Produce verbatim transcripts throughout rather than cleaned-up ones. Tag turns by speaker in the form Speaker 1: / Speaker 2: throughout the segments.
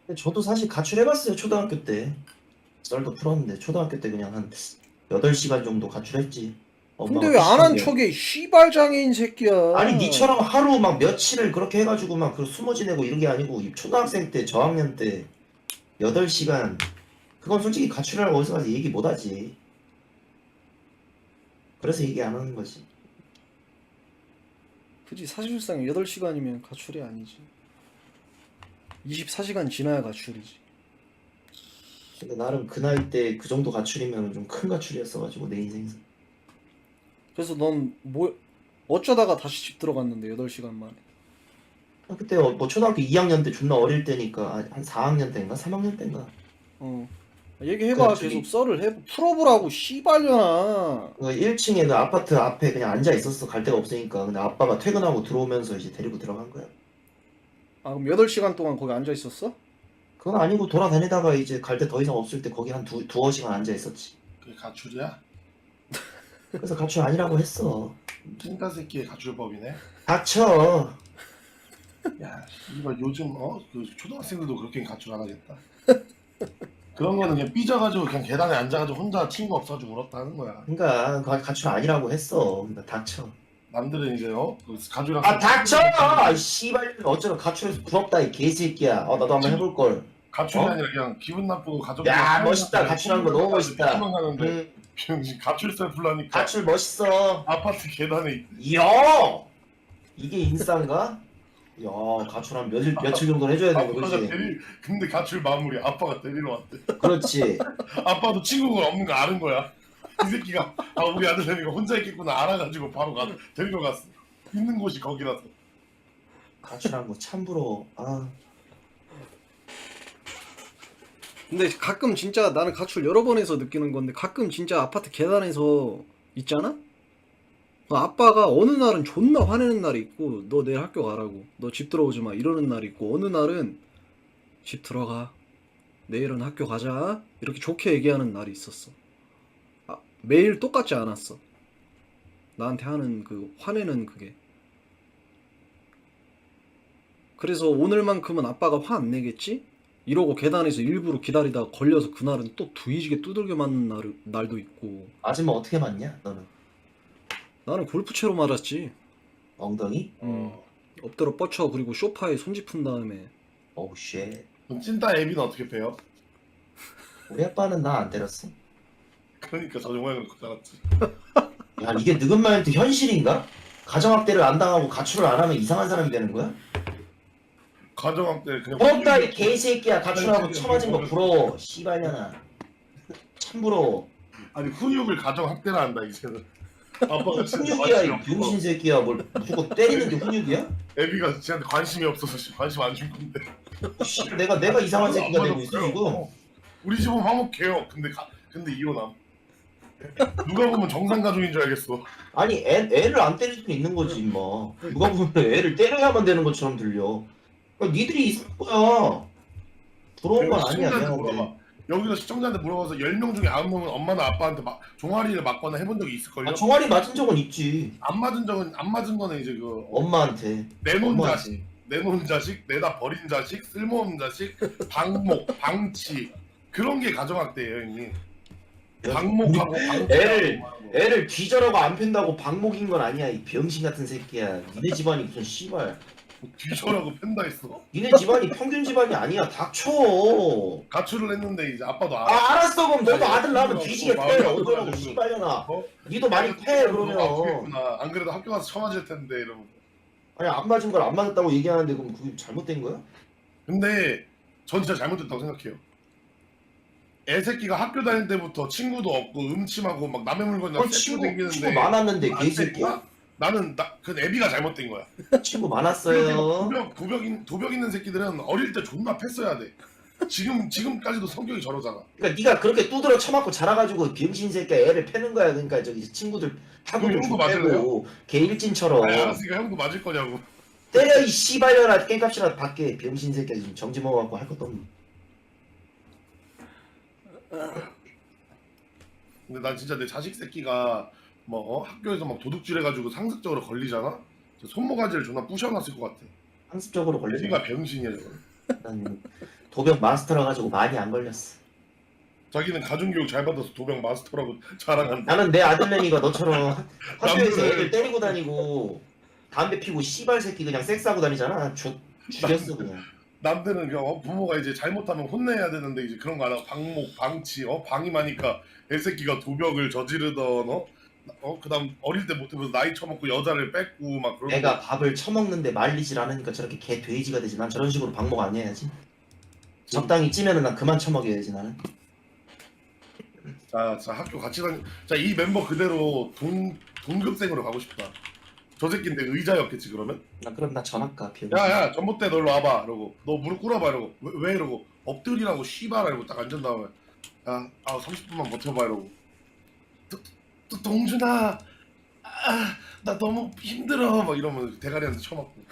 Speaker 1: 저도 사실 가출해봤어요. 초등학교 때 썰도 풀었는데 초등학교 때 그냥 한 여덟 시간 정도 가출했지.
Speaker 2: 근데
Speaker 1: 엄마가
Speaker 2: 왜 안 한
Speaker 1: 피식하게.
Speaker 2: 척해? 씨발 장애인 새끼야.
Speaker 1: 아니 니처럼 하루 막 며칠을 그렇게 해가지고 막 그 숨어 지내고 이런 게 아니고 이 초등학생 때 저학년 때 여덟 시간 그건 솔직히 가출이라고 어디서 가서 얘기 못하지. 그래서 얘기 안 하는 거지.
Speaker 2: 그지 사실상 여덟 시간이면 가출이 아니지. 이십사 시간 지나야 가출이지.
Speaker 1: 근데 나름 그 나이 때 그 정도 가출이면 좀 큰 가출이었어가지고 내 인생에서.
Speaker 2: 그래서 넌 뭐 어쩌다가 다시 집 들어갔는데 여덟 시간 만에.
Speaker 1: 아, 그때 어, 뭐 초등학교 이 학년 때 존나 어릴 때니까 아, 한 사 학년 때인가 삼 학년 때인가.
Speaker 2: 어. 얘기해봐.
Speaker 1: 그
Speaker 2: 계속
Speaker 1: 저기
Speaker 2: 썰을 해. 풀어보라고 씨발려나.
Speaker 1: 그 일 층에 그 아파트 앞에 그냥 앉아 있었어. 갈 데가 없으니까. 근데 아빠가 퇴근하고 들어오면서 이제 데리고 들어간 거야.
Speaker 2: 아 그럼 여덟 시간 동안 거기 앉아 있었어?
Speaker 1: 그건 아니고 돌아다니다가 이제 갈 데 더 이상 없을 때 거기 한 두, 두어 시간 앉아 있었지.
Speaker 3: 그게 가출이야?
Speaker 1: 그래서 가출 아니라고 했어.
Speaker 3: 찐따 새끼의 가출법이네.
Speaker 1: 닥쳐.
Speaker 3: 야, 이거 요즘 어? 그 초등학생들도 그렇게 가출 안 하겠다. 그런 거는 그냥 삐져가지고 그냥 계단에 앉아가지고 혼자 친구 없어가지고 울었다 하는 거야.
Speaker 1: 그러니까 가- 가출 아니라고 했어. 그러니까 닥쳐.
Speaker 3: 남들은 이제 어? 그 가출이랑
Speaker 1: 아 닥쳐! 아, 씨발 어쩌면 가출해서 부럽다 이 개새끼야. 어 나도 한번 해볼 걸.
Speaker 3: 가출이
Speaker 1: 어?
Speaker 3: 아니라 그냥 기분 나쁘고 가족.
Speaker 1: 야 멋있다. 가출하는 거 너무 멋있다.
Speaker 3: 하는데
Speaker 1: 음,
Speaker 3: 병신 가출세 불라니까
Speaker 1: 가출 멋있어.
Speaker 3: 아파트 계단에 있-
Speaker 1: 이야 이게 인싸인가? 야 가출 한 며칠 며칠 정도는 해줘야 되는
Speaker 3: 아빠가
Speaker 1: 거지.
Speaker 3: 데리 근데 가출 마무리 아빠가 데리러 왔대.
Speaker 1: 그렇지.
Speaker 3: 아빠도 친구가 없는 거 아는 거야. 이 새끼가 아 우리 아들 데리고 혼자 있겠구나 알아가지고 바로 가 데리러 갔어. 있는 곳이 거기라서.
Speaker 1: 가출한 거 참 부러워. 아
Speaker 2: 근데 가끔 진짜 나는 가출 여러 번 해서 느끼는 건데 가끔 진짜 아파트 계단에서 있잖아? 그 아빠가 어느 날은 존나 화내는 날이 있고 너 내일 학교 가라고 너 집 들어오지 마 이러는 날이 있고 어느 날은 집 들어가 내일은 학교 가자 이렇게 좋게 얘기하는 날이 있었어. 아, 매일 똑같지 않았어. 나한테 하는 그 화내는 그게. 그래서 오늘만큼은 아빠가 화 안 내겠지? 이러고 계단에서 일부러 기다리다가 걸려서 그날은 또 두이지게 두들겨 맞는 날, 날도 있고.
Speaker 1: 아줌마 어떻게 맞냐 너는?
Speaker 2: 나는 골프채로 맞았지.
Speaker 1: 엉덩이?
Speaker 2: 음.
Speaker 3: 어.
Speaker 2: 엎드려 뻗쳐 그리고 소파에 손 짚은 다음에.
Speaker 1: 오우 쉣.
Speaker 3: 그럼 찐따 애비는 어떻게 패요?
Speaker 1: 우리 아빠는 나 안 때렸어.
Speaker 3: 그러니까 저 영화를 갖고 자랐지.
Speaker 1: 야 이게 느긋말도 현실인가? 가정학대를 안 당하고 가출을 안 하면 이상한 사람이 되는 거야?
Speaker 3: 가정학대 그냥
Speaker 1: 부럽다 이 개새끼야. 가출하고 처맞은 거 부러워. 씨발년아. 참 부러워.
Speaker 3: 아니 훈육을 가정학대라 한다 이제는. 아빠가 진짜
Speaker 1: 훈육이야
Speaker 3: 관심이
Speaker 1: 이
Speaker 3: 없어.
Speaker 1: 병신 새끼야. 뭘 무조건 때리는 게 훈육이야?
Speaker 3: 애비가 지한테 관심이 없어서 씨, 관심 안 준 건데.
Speaker 1: 씨, 내가 내가 이상한 새끼가 되고 있어 지금.
Speaker 3: 어. 우리 집은 화목해요. 근데 가, 근데 이혼함. 누가 보면 정상 가족인 줄 알겠어.
Speaker 1: 아니 애, 애를 안 때릴 수는 있는 거지 임마. 누가 보면 애를 때려야만 되는 것처럼 들려. 그러니까 니들이 있을 거야. 부러운 건 아니야.
Speaker 3: 시청자한테
Speaker 1: 미안한데.
Speaker 3: 물어봐. 여기서 시청자한테 물어봐서 열 명 중에 아홉 명은 엄마나 아빠한테 막 종아리를 맞거나 해본 적이 있을걸요?
Speaker 1: 아 종아리 맞은 적은 있지.
Speaker 3: 안 맞은 적은 안 맞은 거는 이제 그
Speaker 1: 엄마한테.
Speaker 3: 내놓은
Speaker 1: 엄마한테.
Speaker 3: 자식, 내놓은 자식, 내다 버린 자식, 쓸모없는 자식, 방목, 방치 그런 게 가정학대예요, 형님. 방목하고 방치하고
Speaker 1: 애를
Speaker 3: 뭐 하는 거.
Speaker 1: 애를 뒤져라고 안 팬다고 방목인 건 아니야 이 병신 같은 새끼야. 니네 집안이 무슨 씨발.
Speaker 3: 뒤져라고 팬다 했어.
Speaker 1: 니네 집안이 평균 집안이 아니야. 닥쳐.
Speaker 3: 가출을 했는데 이제 아빠도
Speaker 1: 아
Speaker 3: 알아.
Speaker 1: 알았어 그럼 너도 아들 낳으면
Speaker 3: 어,
Speaker 1: 뒤지게
Speaker 3: 어,
Speaker 1: 패.
Speaker 3: 마음이
Speaker 1: 어쩌라고
Speaker 3: 아프다,
Speaker 1: 씨발려나.
Speaker 3: 어?
Speaker 1: 니도 많이 패 그러면.
Speaker 3: 아프겠구나. 안 그래도 학교 가서 처맞을 텐데 이러면.
Speaker 1: 아니 안 맞은 걸 안 맞았다고 얘기하는데 그럼 그게 잘못된 거야?
Speaker 3: 근데 전 진짜 잘못됐다고 생각해요. 애 새끼가 학교 다닐 때부터 친구도 없고 음침하고 막 남의 물건이나
Speaker 1: 어,
Speaker 3: 뺏고
Speaker 1: 친구
Speaker 3: 다니는데
Speaker 1: 친구 많았는데
Speaker 3: 안
Speaker 1: 개새끼야.
Speaker 3: 됐다? 나는 나, 그 애비가 잘못된 거야.
Speaker 1: 친구 많았어요.
Speaker 3: 도벽, 도벽, 있- 도벽 있는 새끼들은 어릴 때 존나 패어야 돼. 지금 지금까지도 성격이 저러잖아.
Speaker 1: 그러니까 네가 그렇게 두드러 쳐맞고 자라가지고 병신 새끼야 애를 패는 거야. 그러니까 저기 친구들 학우들
Speaker 3: 형도
Speaker 1: 좀 빼고 개 일진처럼
Speaker 3: 아니, 알았으니까 형도 맞을 거냐고.
Speaker 1: 때려 이 씨발려라. 깽값이라도 받게. 병신 새끼야 지금 정지 먹어갖고 할 것도 없네.
Speaker 3: 근데 난 진짜 내 자식 새끼가 뭐 어? 학교에서 막 도둑질 해가지고 상습적으로 걸리잖아. 저 손모가지를 존나 부셔놨을 것 같아.
Speaker 1: 상습적으로 걸리지.
Speaker 3: 애비가 병신이야 저거.
Speaker 1: 난 도벽 마스터라 가지고 많이 안 걸렸어.
Speaker 3: 자기는 가정교육 잘 받아서 도병 마스터라고 자랑한다.
Speaker 1: 나는 내 아들내미가 너처럼 학- 학교에서
Speaker 3: 남들은-
Speaker 1: 애들 때리고 다니고 담배 피고 씨발 새끼 그냥 섹스하고 다니잖아. 죽 죽였어 그냥.
Speaker 3: 남들은 그냥 어, 부모가 이제 잘못하면 혼내야 되는데 이제 그런 거 안 하고 방목, 방치, 어 방이 많으니까 애새끼가 도벽을 저지르던 어, 어 그다음 어릴 때 못해서 나이 처먹고 여자를 뺏고 막 그런.
Speaker 1: 내가 밥을 처먹는데 말리질 않으니까 저렇게 개 돼지가 되지. 난 저런 식으로 방목 안 해야지. 적당히 찌면은 난 그만 처먹여야지 나는.
Speaker 3: 자, 자 학교 같이 다니. 자이 멤버 그대로 동 동급생으로 가고 싶다. 저 새끼인데 의자였겠지 그러면?
Speaker 1: 나 그럼 나 전학가 비용.
Speaker 3: 야야 전봇대 널로 와봐 이러고 너 무릎 꿇어봐 이러고 왜, 왜 이러고 엎드리라고 씨발 이러고 딱 앉은 다음에 야아 삼십 분만 버텨봐 이러고 또, 또 동준아 아, 나 너무 힘들어 막 이러면 대가리한테 쳐맞고.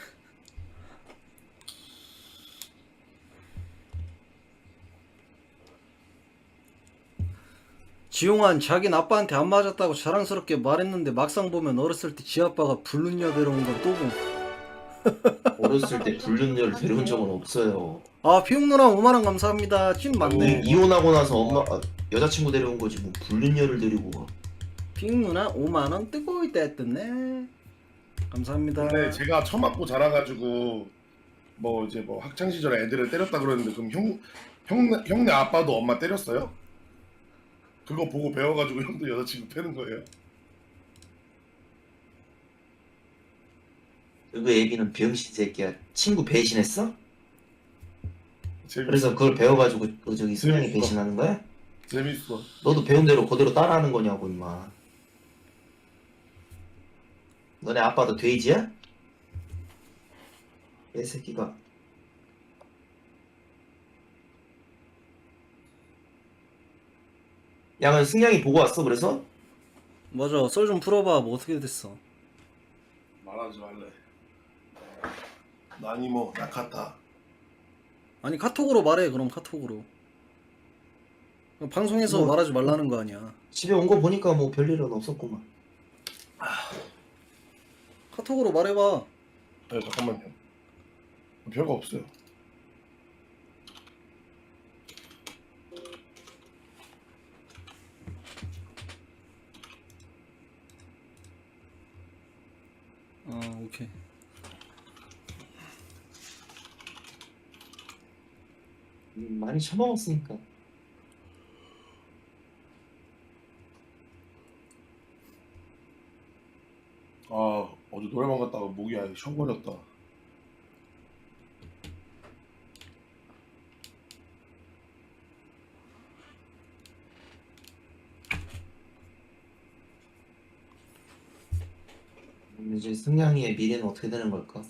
Speaker 2: 지용한 자긴 아빠한테 안 맞았다고 자랑스럽게 말했는데 막상 보면 어렸을 때 지 아빠가 불륜녀 데려온 건 또 뭐.
Speaker 1: 어렸을 때 불륜녀를 데려온 적은 없어요.
Speaker 2: 아 피용 누나 오만 원 감사합니다. 찐 맞네.
Speaker 1: 이, 이혼하고 나서 엄마 아, 여자친구 데려온 거지 뭐 불륜녀를 데리고 가.
Speaker 2: 피용 누나 오만 원 뜨고 있다 떴네. 감사합니다.
Speaker 3: 근데 제가 처맞고 자라가지고 뭐 이제 뭐 학창 시절에 애들을 때렸다 그러는데 그럼 형 형 형네 아빠도 엄마 때렸어요? 그거 보고 배워가지고 형도 여자친구 패는 거예요?
Speaker 1: 그 애기는 병신 새끼야. 친구 배신했어?
Speaker 3: 재밌,
Speaker 1: 그래서 그걸 배워가지고 그 저기 승냥이
Speaker 3: 재밌어.
Speaker 1: 배신하는 거야?
Speaker 3: 재밌어.
Speaker 1: 너도 배운 대로 그대로 따라하는 거냐고 임마. 너네 아빠도 돼지야? 애 새끼가. 야, 그 승냥이 보고 왔어 그래서?
Speaker 2: 맞아. 썰 좀 풀어봐. 뭐 어떻게 됐어?
Speaker 3: 말하지 말래. 나니 뭐 약하다.
Speaker 2: 아니 카톡으로 말해. 그럼 카톡으로. 방송에서
Speaker 1: 뭐-
Speaker 2: 말하지 말라는 거 아니야.
Speaker 1: 집에 온 거 보니까 뭐 별일은 없었구만.
Speaker 2: 카톡으로 말해봐.
Speaker 3: 네 잠깐만요. 별거 없어요.
Speaker 2: 아 오케이.
Speaker 1: 음, 많이 처먹었으니까.
Speaker 3: 아 어제 노래방 갔다가 목이 아예 쉬어버렸다.
Speaker 1: 음, 이제 승냥이의 미래는 어떻게 되는 걸까?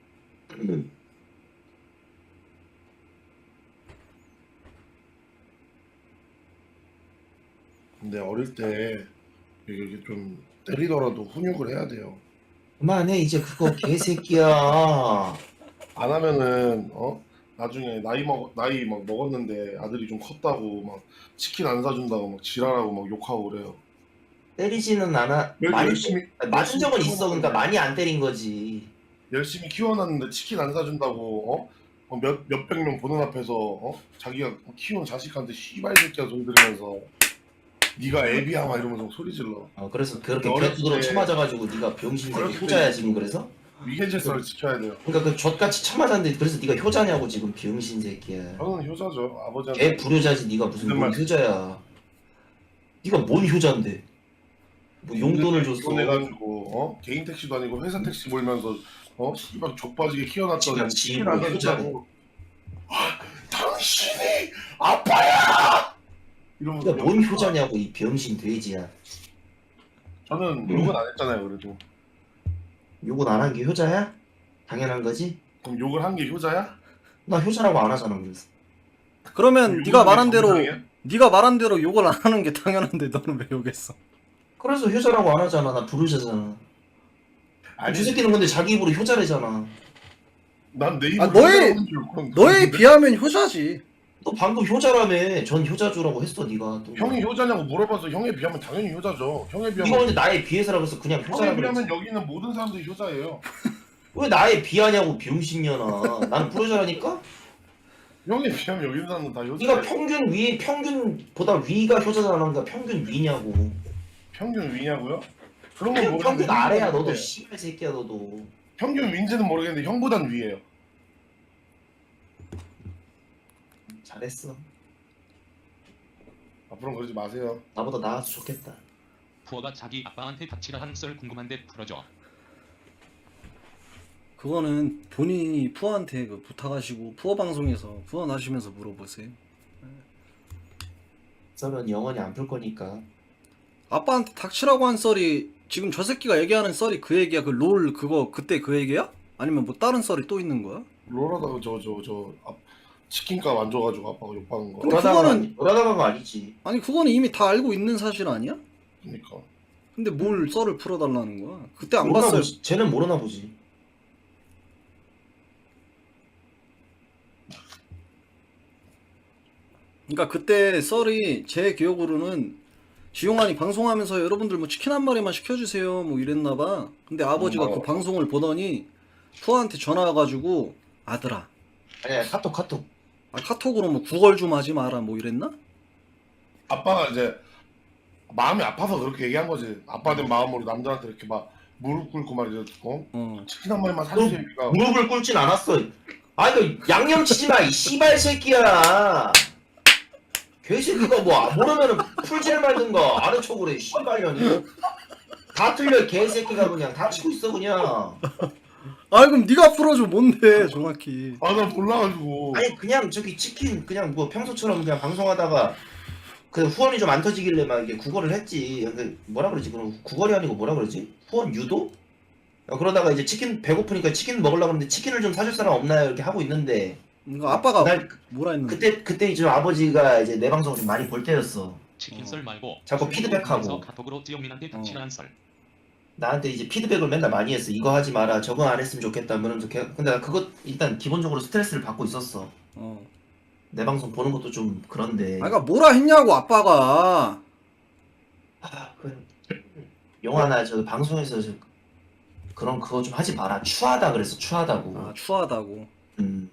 Speaker 3: 근데 어릴 때 이게 좀 때리더라도 훈육을 해야 돼요.
Speaker 1: 그만해 이제 그거 개새끼야.
Speaker 3: 안 하면은 어 나중에 나이 먹 나이 막 먹었는데 아들이 좀 컸다고 막 치킨 안 사준다고 막 지랄하고 막 욕하고 그래요.
Speaker 1: 때리지는 않아. 많이
Speaker 3: 열심히
Speaker 1: 때- 맞은 적은
Speaker 3: 열심히
Speaker 1: 있어. 그러니까 많이 안 때린 거지.
Speaker 3: 열심히 키워놨는데 치킨 안 사준다고 어? 몇 몇백 명 보는 앞에서 어? 자기가 키운 자식한테 씨발 새끼야 소리 들으면서 네가 애비야 막 이러면서 소리 질러.
Speaker 1: 어, 그래서 그렇게
Speaker 3: 어렸을
Speaker 1: 개뚜드러
Speaker 3: 때-
Speaker 1: 쳐맞아가지고 네가 병신 새끼
Speaker 3: 어렸을 때
Speaker 1: 효자야 지금 그래서?
Speaker 3: 위계 질서를 지켜야 돼요.
Speaker 1: 그러니까 그 젖같이 쳐맞았는데 그래서 네가 효자냐고 지금 병신 새끼야.
Speaker 3: 저는 효자죠. 아버지한테
Speaker 1: 개 불효자지 네가 무슨
Speaker 3: 무슨
Speaker 1: 뭔
Speaker 3: 말-
Speaker 1: 효자야. 네가 뭔 효자인데? 뭐 용돈을 줬어.
Speaker 3: 해가지고 어 개인 택시도 아니고 회사 택시 몰면서 어 씨발 족빠지게 키워놨더니
Speaker 1: 지가
Speaker 3: 치킨 안
Speaker 1: 지금
Speaker 3: 사준다고. 아, 당신이 아빠야! 이러면서
Speaker 1: 네가 뭔 효자냐고 이 병신 돼지야.
Speaker 3: 저는 욕은 안 했잖아요. 그래도
Speaker 1: 욕은 안 한 게 효자야? 당연한 거지?
Speaker 3: 그럼 욕을 한 게 효자야?
Speaker 1: 나 효자라고 안 하잖아 그래서.
Speaker 2: 그러면
Speaker 3: 욕을
Speaker 2: 네가
Speaker 3: 한 게
Speaker 2: 말한 대로
Speaker 3: 정상이야?
Speaker 2: 네가 말한 대로 욕을 안 하는 게 당연한데 너는 왜 욕했어?
Speaker 1: 그래서 효자라고 안 하잖아. 나 불효자잖아.
Speaker 3: 아니
Speaker 1: 이 새끼는 근데 자기 입으로 효자래잖아.
Speaker 3: 난내 입으로
Speaker 2: 아, 너의-
Speaker 3: 효자라는 줄 그런-
Speaker 2: 너에
Speaker 3: 그런데
Speaker 2: 비하면 효자지.
Speaker 1: 너 방금 효자라며. 전 효자주라고 했어 네가. 또.
Speaker 3: 형이 효자냐고 물어봐서 형에 비하면 당연히 효자죠. 형에
Speaker 1: 네가
Speaker 3: 비하면
Speaker 1: 근데 나에 비해서라 그래서 그냥
Speaker 3: 형에
Speaker 1: 효자라고
Speaker 3: 비하면
Speaker 1: 그랬지.
Speaker 3: 여기 있는 모든 사람들이 효자예요.
Speaker 1: 왜 나에 비하냐고 병신년아. 나는 불효자라니까?
Speaker 3: 형에 비하면 여기 있는 사람은 다 효자.
Speaker 1: 네가 평균 위 평균보다 위가 효자잖아. 평균 위냐고.
Speaker 3: 평균 위냐고요? 그런 건
Speaker 1: 평균,
Speaker 3: 모르겠는데
Speaker 1: 평균 아래야
Speaker 3: 형보단
Speaker 1: 너도
Speaker 3: 위에.
Speaker 1: 씨발 새끼야 너도.
Speaker 3: 평균 위인지는 모르겠는데 형보단 위에요.
Speaker 1: 잘했어.
Speaker 3: 앞으로는 그러지 마세요.
Speaker 1: 나보다 나아서 좋겠다.
Speaker 4: 푸어가 자기 아빠한테 닥치라 한 썰 궁금한데 풀어줘.
Speaker 2: 그거는 본인이 푸어한테 그 부탁하시고 푸어 방송에서 후원하시면서 물어보세요.
Speaker 1: 그러면 영원히 안 풀 거니까.
Speaker 2: 아빠한테 닥치라고 한 썰이 지금 저 새끼가 얘기하는 썰이 그 얘기야? 그 롤 그거 그때 그 얘기야? 아니면 뭐 다른 썰이 또 있는 거야?
Speaker 3: 롤하다가 저저저 치킨값 안 줘가지고 아빠가 욕하는 거.
Speaker 2: 근데
Speaker 1: 돌아다가
Speaker 2: 그거는-
Speaker 1: 돌아다가가 아니지.
Speaker 2: 아니 그거는 이미 다 알고 있는 사실 아니야?
Speaker 3: 그러니까.
Speaker 2: 근데 뭘 썰을 풀어달라는 거야? 그때 안
Speaker 1: 모르나
Speaker 2: 봤어요.
Speaker 1: 보지. 쟤는 모르나 보지.
Speaker 2: 그러니까 그때 썰이 제 기억으로는 지용환이 방송하면서 여러분들 뭐 치킨 한 마리만 시켜주세요 뭐 이랬나봐. 근데 아버지가
Speaker 3: 음,
Speaker 2: 그
Speaker 3: 어.
Speaker 2: 방송을 보더니 푸어한테 전화 와가지고 아들아
Speaker 1: 아니야 카톡 카톡.
Speaker 2: 아, 카톡으로 뭐 구걸 좀 하지 마라 뭐 이랬나?
Speaker 3: 아빠가 이제 마음이 아파서 그렇게 얘기한 거지. 아빠 된 마음으로 남들한테 이렇게 막 무릎 꿇고 막 이래. 어?
Speaker 2: 어.
Speaker 3: 치킨 한 마리만 사주세요. 그러니까
Speaker 1: 무릎을 꿇진 않았어. 아 이거 양념 치지 마 이 씨발 새끼야. 개새끼가 뭐 모르면은 풀지를 말든가 아는 척을 해 씨발년이. 다 틀려 개새끼가 그냥 다 치고 있어 그냥.
Speaker 2: 아 그럼 네가 풀어줘 뭔데 정확히.
Speaker 3: 아나 몰라가지고.
Speaker 1: 아니 그냥 저기 치킨 그냥 뭐 평소처럼 그냥 방송하다가 그 후원이 좀 안 터지길래 막 이게 구걸을 했지. 근데 뭐라 그러지? 그럼 구걸이 아니고 뭐라 그러지? 후원 유도? 야, 그러다가 이제 치킨 배고프니까 치킨 먹으려고 하는데 치킨을 좀 사줄 사람 없나요? 이렇게 하고 있는데
Speaker 2: 그러니까 아빠가
Speaker 1: 날
Speaker 2: 뭐라 했는데?
Speaker 1: 그때 그때 이제 아버지가 이제 내 방송을 좀 많이 볼 때였어.
Speaker 4: 치킨
Speaker 2: 어.
Speaker 4: 썰 말고
Speaker 1: 자꾸 피드백하고.
Speaker 4: 그래서 카톡으로 지영민한테 닥치라 한 썰.
Speaker 1: 나한테 이제 피드백을 맨날 많이 했어. 이거 하지 마라. 저거 안 했으면 좋겠다. 그러면서 걔- 근데 나 그것 일단 기본적으로 스트레스를 받고 있었어.
Speaker 2: 어.
Speaker 1: 내 방송 보는 것도 좀 그런데.
Speaker 2: 아 그러니까 뭐라 했냐고 아빠가.
Speaker 1: 아, 그 영화나 저 방송에서 저 그런 그거 좀 하지 마라. 추하다 그랬어. 추하다고.
Speaker 2: 아 추하다고.
Speaker 1: 음.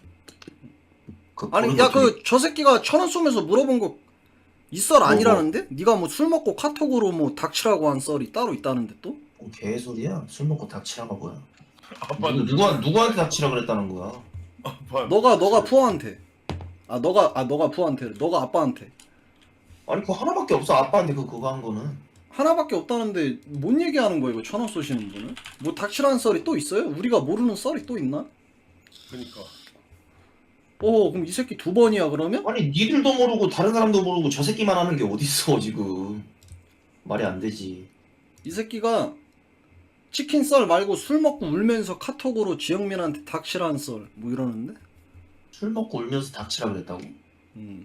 Speaker 1: 그
Speaker 2: 아니
Speaker 1: 보는
Speaker 2: 야
Speaker 1: 거 되게-
Speaker 2: 그 저 새끼가 천 원 쏘면서 물어본 거 이 썰 아니라는데? 네가 뭐 술 먹고 카톡으로 뭐 닥치라고 한 썰이 따로 있다는데 또?
Speaker 1: 뭐 개소리야. 술 먹고 닥치라가 뭐야?
Speaker 3: 아빠는
Speaker 1: 누구 누구 누구한테 닥치라 그랬다는 거야?
Speaker 3: 아빠.
Speaker 2: 너가 너가 푸어한테. 아 너가 아 너가 푸어한테. 너가 아빠한테.
Speaker 1: 아니 그거 하나밖에 없어. 아빠한테 그 그거 한 거는.
Speaker 2: 하나밖에 없다는데 뭔 얘기하는 거야 이거 천 원 쏘시는 분은? 뭐 닥치라는 썰이 또 있어요? 우리가 모르는 썰이 또 있나?
Speaker 3: 그러니까.
Speaker 2: 어 그럼 이 새끼 두 번이야 그러면?
Speaker 1: 아니 니들도 모르고 다른 사람도 모르고 저 새끼만 하는 게 어딨어 지금. 말이 안 되지.
Speaker 2: 이 새끼가 치킨 썰 말고 술 먹고 울면서 카톡으로 지영민한테 닥치라는 썰 뭐 이러는데?
Speaker 1: 술 먹고 울면서 닥치라 그랬다고?
Speaker 2: 음.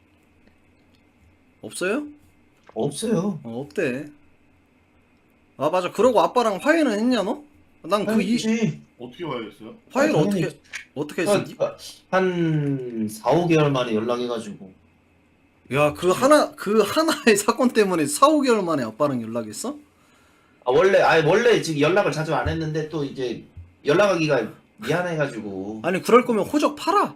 Speaker 2: 없어요?
Speaker 1: 없어요.
Speaker 2: 어 없대. 아 맞아 그러고 아빠랑 화해는 했냐 너? 난 그 이
Speaker 1: 아니지.
Speaker 3: 어떻게 와야겠어요?
Speaker 2: 화해를
Speaker 1: 아니,
Speaker 2: 어떻게
Speaker 1: 당연히-
Speaker 2: 어떻게 했어?
Speaker 1: 그러니까 한 사, 오 개월 만에 연락해가지고
Speaker 2: 야 그 하나 그 하나의 사건 때문에 사, 오 개월 만에 아빠랑 연락했어?
Speaker 1: 아 원래 아니 원래 지금 연락을 자주 안 했는데 또 이제 연락하기가 미안해가지고
Speaker 2: 아니 그럴 거면 호적 팔아.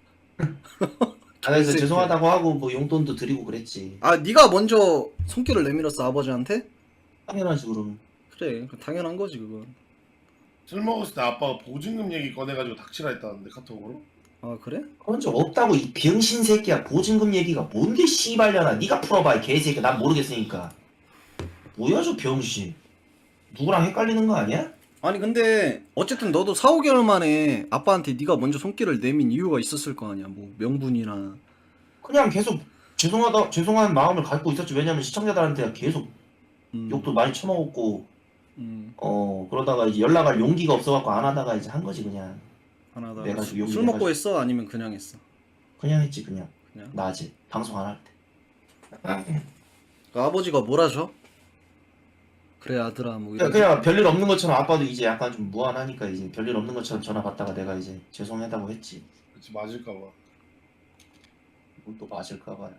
Speaker 1: 아, 그래서
Speaker 2: 개새끼.
Speaker 1: 죄송하다고 하고 뭐 용돈도 드리고 그랬지.
Speaker 2: 아 네가 먼저 손길을 내밀었어 아버지한테?
Speaker 1: 당연하지 그러면.
Speaker 2: 그래 당연한 거지 그건.
Speaker 3: 술 먹었을 때 아빠가 보증금 얘기 꺼내가지고 닥치라 했다는데 카톡으로.
Speaker 2: 아 그래?
Speaker 1: 그런 적 없다고 이 병신 새끼야. 보증금 얘기가 뭔데 씨발려나. 네가 풀어봐 이 개새끼야. 난 모르겠으니까. 뭐야 저 병신. 누구랑 헷갈리는 거 아니야?
Speaker 2: 아니 근데 어쨌든 너도 사, 오 개월 만에 아빠한테 네가 먼저 손길을 내민 이유가 있었을 거 아니야 뭐 명분이나.
Speaker 1: 그냥 계속 죄송하다 죄송한 마음을 갖고 있었지. 왜냐면 시청자들한테 계속
Speaker 2: 음,
Speaker 1: 욕도 많이 처먹었고
Speaker 2: 음,
Speaker 1: 어 그러다가 이제 연락할 용기가 없어갖고 안 하다가 이제 한 거지 그냥.
Speaker 2: 하나다.
Speaker 1: 내가
Speaker 2: 술,
Speaker 1: 용기
Speaker 2: 술 먹고
Speaker 1: 내가지고.
Speaker 2: 했어 아니면 그냥 했어?
Speaker 1: 그냥 했지 그냥.
Speaker 2: 그냥.
Speaker 1: 낮에 방송 안 할 때.
Speaker 2: 그 아버지가 뭐라죠? 그래 아들아 뭐
Speaker 1: 그냥,
Speaker 2: 이런.
Speaker 1: 그냥 별일 없는 것처럼 아빠도 이제 약간 좀 무안하니까 이제 별일 없는 것처럼 전화 받다가 내가 이제 죄송하다고 했지.
Speaker 3: 그치 맞을까봐.
Speaker 1: 뭘 또 맞을까봐.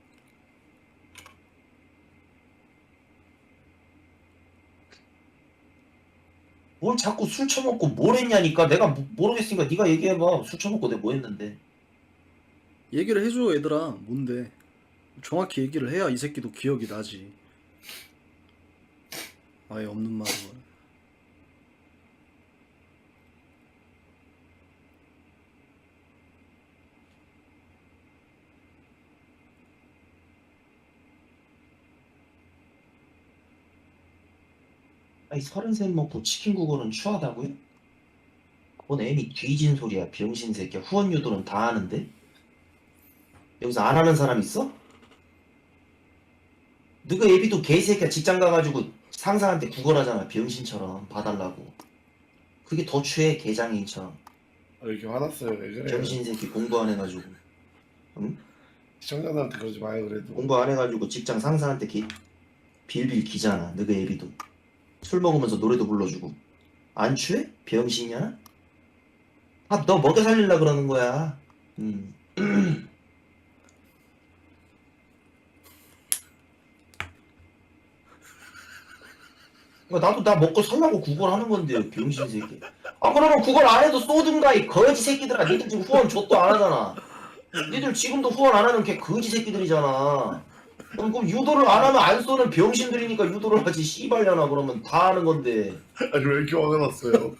Speaker 1: 뭘 자꾸 술 처먹고 뭘 했냐니까. 내가 모- 모르겠으니까 네가 얘기해봐. 술 처먹고 내가 뭐 했는데.
Speaker 2: 얘기를 해줘 얘들아. 뭔데? 정확히 얘기를 해야 이 새끼도 기억이 나지. 아예 없는 말을.
Speaker 1: 아니 서른셋 먹고 치킨 국어는 추하다고요? 그건 애미 뒤진 소리야 병신 새끼야. 후원 유도는 다 하는데 여기서 안 하는 사람 있어? 너가 애비도 개새끼야. 직장 가가지고 상사한테 구걸하잖아 병신처럼 봐달라고. 그게 더 추해 개장애인처럼.
Speaker 3: 아, 왜 이렇게 화났어요? 왜 그래요?
Speaker 1: 병신 새끼 공부 안 해가지고. 응?
Speaker 3: 시청자들한테 그러지 마요 그래도.
Speaker 1: 공부 안 해가지고 직장 상사한테 기, 빌빌 기잖아. 너가 애비도 술 먹으면서 노래도 불러주고. 안 추해? 병신이야? 아, 너 먹여 살릴라 그러는 거야. 음. 그러니까 나도 나 먹고 살라고 구걸하는 건데 병신 새끼. 아 그러면 구걸 안 해도 쏘든가 이 거지 새끼들아. 니들 지금 후원 줬도 안 하잖아. 니들 지금도 후원 안 하는 개 거지 새끼들이잖아. 그럼, 그럼 유도를 안 하면 안 쏘는 병신들이니까 유도를 하지 씨발려나. 그러면 다 하는 건데.
Speaker 3: 아니 왜 이렇게 화가 났어요?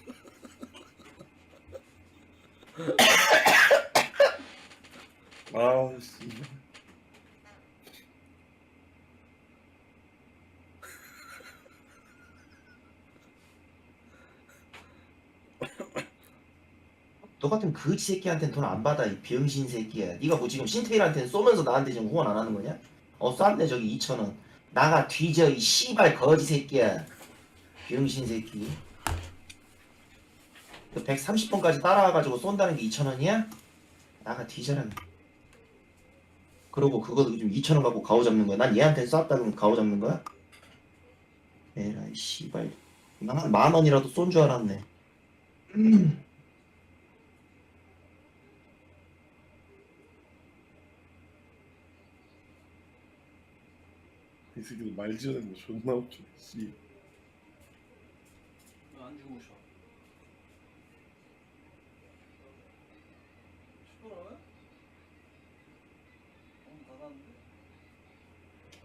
Speaker 3: 아 씨.
Speaker 1: 너 같은 거지 새끼한테는 돈 안 받아 이 병신 새끼야. 네가 뭐 지금 신태일한테는 쏘면서 나한테 지금 후원 안 하는 거냐? 어 쐈네 저기 이천 원. 나가 뒤져 이 씨발 거지 새끼야. 병신 새끼. 백삼십 번까지 따라와가지고 쏜다는 게 이천 원이야? 나가 뒤져라. 그러고 그거 지금 이천 원 갖고 가오 잡는 거야. 난 얘한테 쐈다면 가오 잡는 거야? 에라이 씨발. 난 만 원이라도 쏜 줄 알았네. 음.
Speaker 3: 이 새끼들 말 지어낸 거 존나 웃겨. 씨.
Speaker 2: 안 죽으셔. 시끄러워요? 어,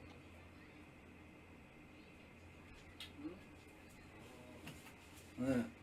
Speaker 2: 닫았는데? 응? 네.